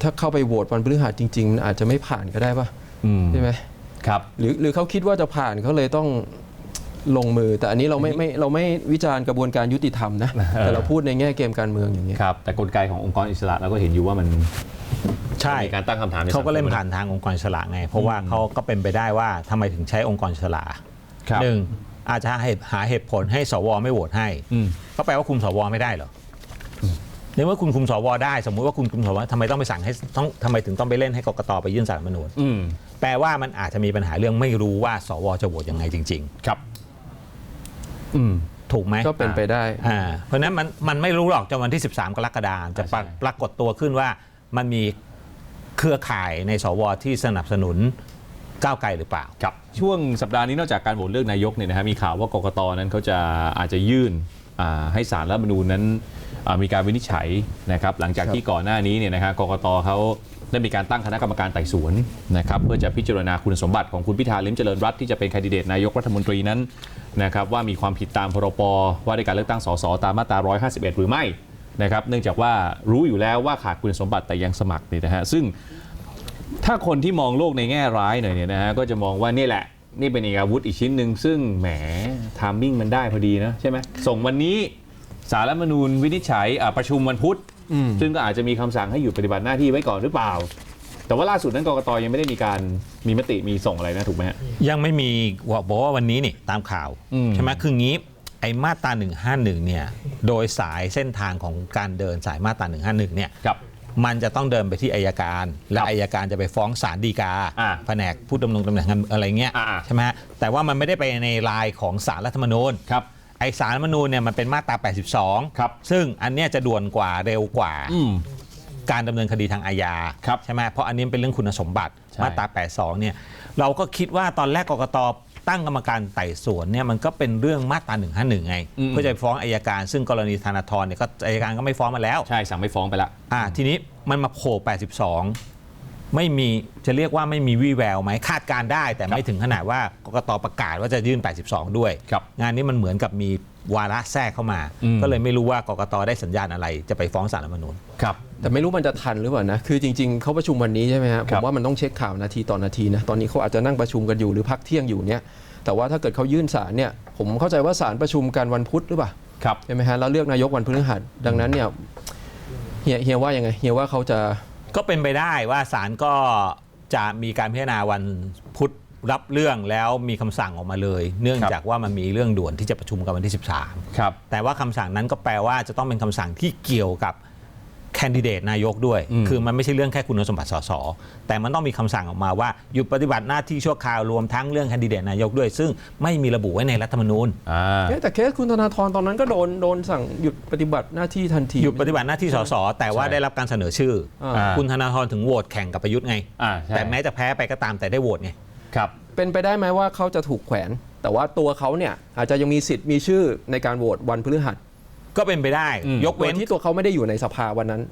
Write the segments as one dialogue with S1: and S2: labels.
S1: ถ้าเข้าไปโหวตวันพฤหัสจริงๆอาจจะไม่ผ่านก็ได้ป่ะใช่ไหม
S2: ครับ
S1: หรือเขาคิดว่าจะผ่านเขาเลยต้องลงมือแต่อันนี้เราไม่วิจารณ์กระบวนการยุติธรรมนะแต่เราพูดในแง่เกมการเมืองอย่างนี้
S2: ครับแต่กลไกขององค์กรอิสระเราก็เห็นอยู่ว่ามัน
S3: ใช่
S2: มีการตั้งคำถาม
S3: เขาก็เล่นผ่านทางองค์กรอิสระไงเพราะว่าเขาก็เป็นไปได้ว่าทำไมถึงใช้องค์กรอิสระหนึ่งอาจจะหาเหตุผลให้สวไม่โหวตให้ก็แปลว่าคุมสวไม่ได้เหรอในเมื่อคุณคุมสวได้สมมุติว่าคุณคุมสวทำไมต้องไปสั่งให้ทำไมถึงต้องไปเล่นให้กกตไปยื่นศาลรัฐธรรมนูญแปลว่ามันอาจจะมีปัญหาเรื่องไม่รู้ว่าสวจะโหวตยังไงจริงๆ
S2: ครับ
S3: ถูกไหม
S1: ก็เป็นไปได้
S3: เพราะนั้นมันไม่รู้หรอกจนวันที่13กรกฎาคมจะปรากฏตัวขึ้นว่ามันมีเครือข่ายในสวที่สนับสนุนก้าวไกลหรือเปล่า
S2: ครับช่วงสัปดาห์นี้นอกจากการโหวตเลือกนายกเนี่ยนะฮะมีข่าวว่ากกตนั้นเขาอาจจะยื่นให้ศาลรัฐธรรมนูญนั้นมีการวินิจฉัยนะครับหลังจากที่ก่อนหน้านี้เนี่ยนะฮะกกตเขาได้มีการตั้งคณะกรรมการไต่สวนนะครับเพื่อจะพิจารณาคุณสมบัติของคุณพิธาลิ้มเจริญรัตน์ที่จะเป็นแคนดิเดตนายกรัฐมนตรีนั้นนะครับว่ามีความผิดตามพรบว่าด้วยการเลือกตั้งสสตามมาตรา151หรือไม่นะครับเนื่องจากว่ารู้อยู่แล้วว่าขาดคุณสมบัติแต่ยังสมัครเนี่ยนะฮะซึ่งถ้าคนที่มองโลกในแง่ร้ายหน่อยเนี่ยนะฮะก็จะมองว่านี่แหละนี่เป็นอาวุธอีกชิ้นหนึ่งซึ่งแหมไทามมิ่งมันได้พอดีนะใช่ไหมส่งวันนี้ศาลรัฐธรรมนูญวินิจฉัยประชุมวันพุธซึ่งก็อาจจะมีคำสั่งให้หยุดปฏิบัติหน้าที่ไว้ก่อนหรือเปล่าแต่ว่าล่าสุดนั้นกกตยังไม่ได้มีมติมีส่งอะไรนะถูกไหมฮะ
S3: ยังไม่มีบอกว่าวันนี้นี่ตามข่าวใช่ไหมคืองี้ไอ้มาตรา151เนี่ยโดยสายเส้นทางของการเดินสายมาตรา151เนี่ยมันจะต้องเดินไปที่อัยการและอัยการจะไปฟ้องศาลฎีกาแผนกผู้ดำรงตำแหน่งอะไรเงี้ยใช่ไหมแต่ว่ามันไม่ได้ไปในลายของศาลรัฐธรรมนูญไอศาลรัฐธรรมนูญเนี่ยมันเป็นมาตรา82ซึ่งอันเนี้ยจะด่วนกว่าเร็วกว่าการดำเนินคดีทางอาญาใช่ไหมเพราะอันนี้เป็นเรื่องคุณสมบัติมาตรา82เนี่ยเราก็คิดว่าตอนแรกกกตตั้งกรรมการไต่สวนเนี่ยมันก็เป็นเรื่องมาตรา151ไงเพื่อจะฟ้องอัยการซึ่งกรณีธนาธรเนี่ยก็อัยการก็ไม่ฟ้องมาแล้ว
S2: ใช่สั่งไม่ฟ้องไปแล้ว
S3: ทีนี้มันมาโผล่82ไม่มีจะเรียกว่าไม่มีวี่แววไหมคาดการได้แต่ไม่ถึงขนาดว่ากกตประกาศว่าจะยื่น82ด้วยงานนี้มันเหมือนกับมีวาระแทรกเข้ามาก็เลยไม่รู้ว่ากกตได้สัญญาณอะไรจะไปฟ้องศาลรัฐธรรมนูญ
S1: ครับแต่ไม่รู้มันจะทันหรือเปล่านะคือจริงๆเขาประชุมวันนี้ใช่ไหมครับผมว่ามันต้องเช็คข่าวนาทีต่อนาทีนะตอนนี้เขาอาจจะนั่งประชุมกันอยู่หรือพักเที่ยงอยู่เนี่ยแต่ว่าถ้าเกิดเขายื่นศาลเนี่ยผมเข้าใจว่าศาลประชุมกันวันพุธหรือเปล่าใช่ไหมฮะแล้วเลือกนายกวันพฤหัสดังนั้นเนี่ยเฮียว่ายังไงเฮียว่าเขาจะ
S3: ก็เป็นไปได้ว่าศาลก็จะมีการพิจารณาวันพุธรับเรื่องแล้วมีคำสั่งออกมาเลยเนื่องจากว่ามันมีเรื่องด่วนที่จะประชุมกันวันที่13แต่ว่าคำสั่งนั้นก็แปลว่าจะต้องเป็นคำสั่งที่เกี่ยวกับแคนดิเดตนายกด้วยคือมันไม่ใช่เรื่องแค่คุณสมบัติสสแต่มันต้องมีคำสั่งออกมาว่าหยุดปฏิบัติหน้าที่ชั่วคราวรวมทั้งเรื่องแคนดิเดตนายกด้วยซึ่งไม่มีระบุไว้ในรัฐธรรมนูญ
S1: แต่เคสคุณธนาธรตอนนั้นก็โดนสั่งหยุดปฏิบัติหน้าที่ทันที
S3: หยุดปฏิบัติหน้าที่สสแต่ว่าได้รับการเสนอชื่อคุณธนาธรถึงโหวตแข่งกับประยุทธ์ไงแต่แม้จะแพ้ไปก็ตามแต่ได้โหวตไง
S1: ครับเป็นไปได้ไหมว่าเขาจะถูกแขวนแต่ว่าตัวเขาเนี่ยอาจจะยังมีสิทธิ์มีชื่อในการโหวตวันพฤหัส
S3: ก็เป็นไปได้ยกเว้น
S1: ที่ตัวเขาไม่ได้อยู่ในสภาวันนั้น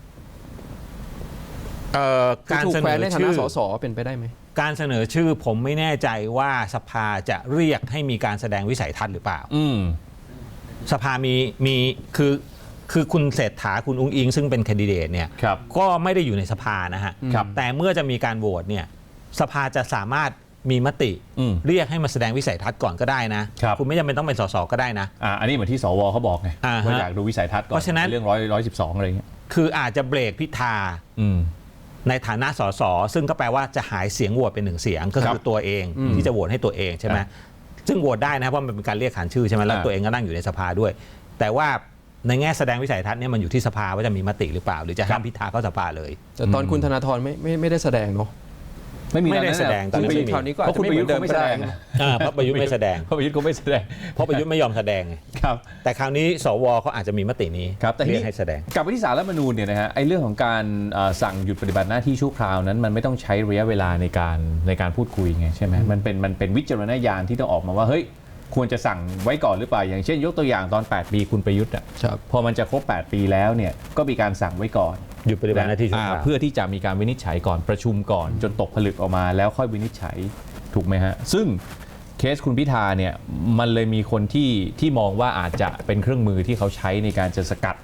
S3: การเสนอ
S1: ชื่อสสเป็นไปได้ไหม
S3: การเสนอชื่อผมไม่แน่ใจว่าสภาจะเรียกให้มีการแสดงวิสัยทัศน์หรือเปล่าสภามีคือคุณเศรษฐาคุณอุ้งอิงซึ่งเป็นแคนดิเดตเนี่ยก็ไม่ได้อยู่ในสภานะฮะแต่เมื่อจะมีการโหวตเนี่ยสภาจะสามารถมีมติเรียกให้มาแสดงวิสัยทัศน์ก่อนก็ได้นะคุณไม่จำเป็นต้องเป็นสสก็ได้นะ
S2: อันนี้เหมือนที่สวเขาบอกไงว่าอยากดูวิสัยทัศน์ก่อนเพราะฉะนั้นเรื่อง112อะไรเงี้ย
S3: คืออาจจะเบรกพิธาในฐานะสสซึ่งก็แปลว่าจะหายเสียงโหวตเป็น1เสียงก็คือตัวเองที่จะโหวตให้ตัวเองใช่ไหมซึ่งโหวตได้นะเพราะมันเป็นการเรียกขานชื่อใช่ไหมแล้วตัวเองก็นั่งอยู่ในสภาด้วยแต่ว่าในแง่แสดงวิสัยทัศน์เนี่ยมันอยู่ที่สภาว่าจะมีมติหรือเปล่าหรือจะห้ามพิธาเข้าสภาเลย
S1: แต่ตอนคุณธนาธรไม่ได้แสดงเนาะ
S3: ไม่ได้แสดง
S1: ตอนนี้คราวนี้ก็อาจจะไม่เหมือนเดิม
S3: ไม่แสดงเพราะประยุทธ์ไม่แสดง
S2: เพราะประยุทธ์ก็ไม่แสดง
S3: เพราะประยุทธ์ไม่ยอมแสดง
S2: ครับ
S3: แต่คราวนี้สวเขาอาจจะมีมตินี้
S2: เรียกให้แสดงกลับไปที่ศาลรัฐธรรมนูญเนี่ยนะฮะไอ้เรื่องของการสั่งหยุดปฏิบัติหน้าที่ชั่วคราวนั้นมันไม่ต้องใช้ระยะเวลาในการพูดคุยไงใช่ไหมมันเป็นวิจารณญาณที่ต้องออกมาว่าเฮ้ยควรจะสั่งไว้ก่อนหรือเปล่าอย่างเช่นยกตัวอย่างตอน8 ปีคุณประยุทธ์พอมันจะครบ8 ปีแล้วเนี่ยก็มีการสั่งไว้ก่อน
S3: หยุดปฏิบัติหน้าที่ชั่วคราว
S2: เพื่อที่จะมีการวินิจฉัยก่อนประชุมก่อนจนตกผลึกออกมาแล้วค่อยวินิจฉัยถูกไหมฮะซึ่งเคสคุณพิธาเนี่ยมันเลยมีคนที่มองว่าอาจจะเป็นเครื่องมือที่เขาใช้ในการจะสกัด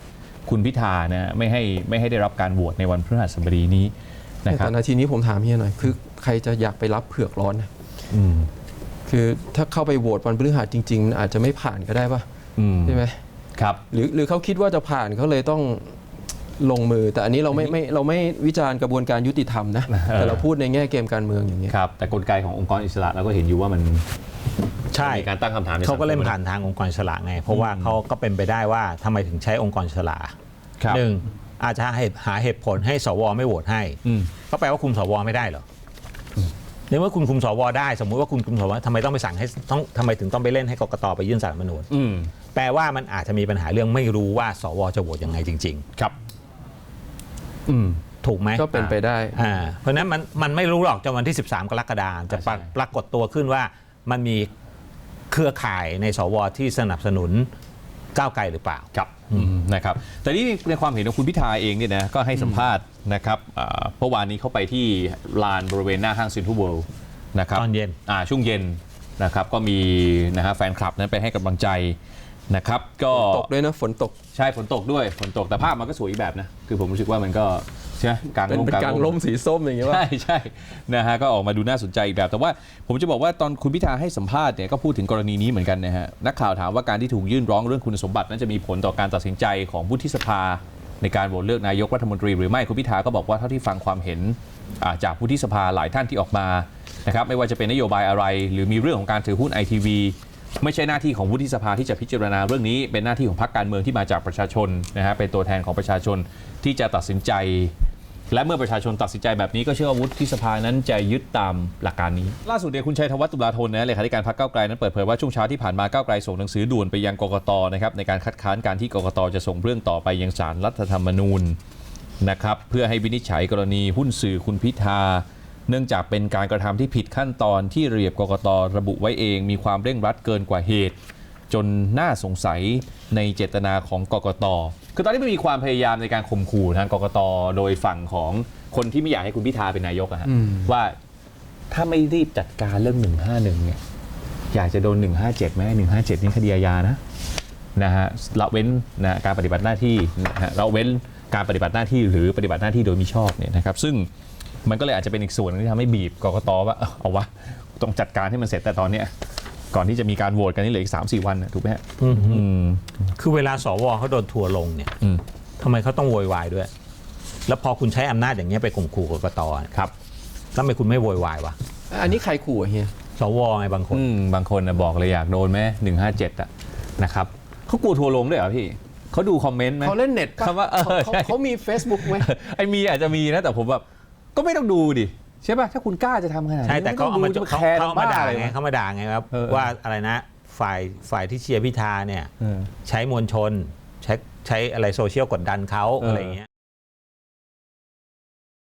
S2: คุณพิธานะไม่ให้ได้รับการโหวตในวันพฤหัสบดีนี้นะครับ
S1: แต่นาทีนี้ผมถามเฮียหน่อยคือใครจะอยากไปรับเผือกร้อนนะ
S2: อืม
S1: คือถ้าเข้าไปโหวตวันพฤหัสจริงๆอาจจะไม่ผ่านก็ได้ป่ะ ใช่ไหม
S2: ครับ
S1: หรือเขาคิดว่าจะผ่านเขาเลยต้องลงมือ แต่อันนี้เราไม่วิจารณ์กระบวนการยุติธรรมนะ แต่เราพูดในแง่เกมการเมืองอย่างนี้ย
S2: ครับแต่กลไกขององค์กรอิสระเราก็เห็นอยู่ว่ามัน
S3: ใช่
S2: มีการตั้งคำถามใน
S3: เขาก็เล่น
S2: สังคม
S3: ผ่านทางองค์กรอิสระไง เพราะว่าเขาก็เป็นไปได้ว่าทำไมถึงใช้องค์กรอิสระ
S2: ครับ
S3: หนึ่งอาจจะหาเหตุผลให้สวไม่โหวตให้
S2: อืม
S3: ก็แปลว่าคุมสวไม่ได้เหรอในเมื่อคุณคุมสวได้สมมุติว่าคุณคุมสวทำไมต้องไปสั่งให้ทำไมถึงต้องไปเล่นให้กกตไปยื่นสารรัฐธรรมนูญ
S2: อืม
S3: แปลว่ามันอาจจะมีปัญหาเรื่องไม่รู้ว่าสวจะโหวตยังไงจริง
S2: ครับ อืม
S3: ๆ ถูกไหม
S1: ก็เป็นไปได้
S3: เพราะฉะนั้นมันไม่รู้หรอกจนวันที่ 13 กรกฎาคมจะ
S2: ใช่
S3: ปรากฏตัวขึ้นว่ามันมีเครือข่ายในสวที่สนับสนุนก้าวไกลหรือเปล่า
S2: ครับนะครับแต่นี่ในความเห็นของคุณพิธาเองเนี่ยนะก็ให้สัมภาษณ์นะครับเมื่อวานนี้เขาไปที่ลานบริเวณหน้าห้างเซ็นทรัลเวิลด์นะครับ
S3: ตอนเย็น
S2: ช่วงเย็นนะครับก็มีนะฮะแฟนคลับนั้นไปให้กำลังใจนะครับก็
S1: ตกด้วยนะฝนตก
S2: ใช่ฝนตกด้วยฝนตกแต่ภาพมันก็สวยอีกแบบนะคือผมรู้สึกว่ามันก็ใช่ไหมกลาง
S1: เป็น
S2: ร่ม
S1: กลางร่มสีส้มอย่างเงี้ยว่า
S2: ใช่นะฮะก็ออกมาดูน่าสนใจอีกแบบ แต่ว่าผมจะบอกว่าตอนคุณพิธาให้สัมภาษณ์เนี่ยก็พูดถึงกรณีนี้เหมือนกันนะฮะนักข่าวถามว่าการที่ถูกยื่นร้องเรื่องคุณสมบัตินั้นจะมีผลต่อการตัดสินใจของวุฒิสภาในการโหวตเลือกนายกรัฐมนตรีหรือไม่คุณพิธาก็บอกว่าเท่าที่ฟังความเห็นจากวุฒิสภาหลายท่านที่ออกมานะครับไม่ว่าจะเป็นนโยบายอะไร หรือมีเรื่องของการถือหุ้น ITV ไม่ใช่หน้าที่ของวุฒิสภาที่จะพิจารณาเรื่องนี้เป็นหน้าที่ของพรรคการเมืองที่มาจากประชาชนนะฮะเป็นตัวแทนของประชาชนที่จะตัดสินใจ และเมื่อประชาชนตัดสินใจแบบนี้ก็เชื่อว่าวุฒิสภานั้นจะยึดตามหลักการนี้ ล่าสุดเนี่ยคุณชัยธวัฒน์ตุลาธนนะเลขาธิการพรรคก้าวไกลนั้นเปิดเผยว่าช่วงเช้าที่ผ่านมาก้าวไกลส่งหนังสือด่วนไปยังกกตนะครับในการคัดค้านการที่กกตจะส่งเรื่องต่อไปยังศาลรัฐธรรมนูญนะครับเพื่อให้วินิจฉัยกรณีหุ้นสื่อคุณพิธาเนื่องจากเป็นการกระทำที่ผิดขั้นตอนที่ระเบียบกกตระบุไว้เองมีความเร่งรัดเกินกว่าเหตุ จนน่าสงสัยในเจตนาของกกตคือตอนนี้มันมีความพยายามในการข่มขู่ทางกกตโดยฝั่งของคนที่ไม่อยากให้คุณพิธาเป็นนายกอะฮะว่าถ้าไม่รีบจัดการเรื่อง 151 เนี่ยอยากจะโดน 157ไหม157 นี่คดีอาญานะฮะละเว้นนะการปฏิบัติหน้าที่นะฮะละเว้นการปฏิบัติหน้าที่หรือปฏิบัติหน้าที่โดยมิชอบเนี่ยนะครับซึ่งมันก็เลยอาจจะเป็นอีกส่วนนึงที่ทำให้บีบกกตว่าเอาวะต้องจัดการให้มันเสร็จแต่ตอนเนี้ยก่อนที่จะมีการโหวตกันนี่เหลืออีก 3-4 วันนะถูกไหมฮะ
S3: คือเวลาสวเขาโดนทัวร์ลงเนี่ยทำไมเขาต้องโวยวายด้วย แล้วพอคุณใช้อำนาจอย่างเงี้ยไปข่มขู่กกต
S2: ครับ
S3: แล้วทำไมคุณไม่โวยวายวะ
S1: อันนี้ใครขู่อะเฮีย
S3: สวไงบางคน
S2: บางคนนะบอกเลยอยากโดนไหม157อะนะครับเขากลัวทัวร์ลงด้วยเหรอพี่เขาดูคอมเมนต์ไหม
S1: เขาเล่นเน็ตปะ
S2: คำว่าใช่
S1: เขามี Facebook ไหม
S2: ไอ้มีอาจจะมีนะแต่ผมแบบก็ไม่ต้องดูดิใช่ป่ะถ้าคุณกล้าจะทำขนาดนี้
S3: ใช่แต่เขาเอามา
S2: จะ
S3: เขา
S2: แคร์
S3: เอามาด่า
S2: อะไร
S3: ไงเขามาด่าไงครับว่าอะไรนะฝ่ายที่เชียร์พิธาเนี่ยใช้มวลชนใช้อะไรโซเชียลกดดันเขาอะไรอย่างเงี้ย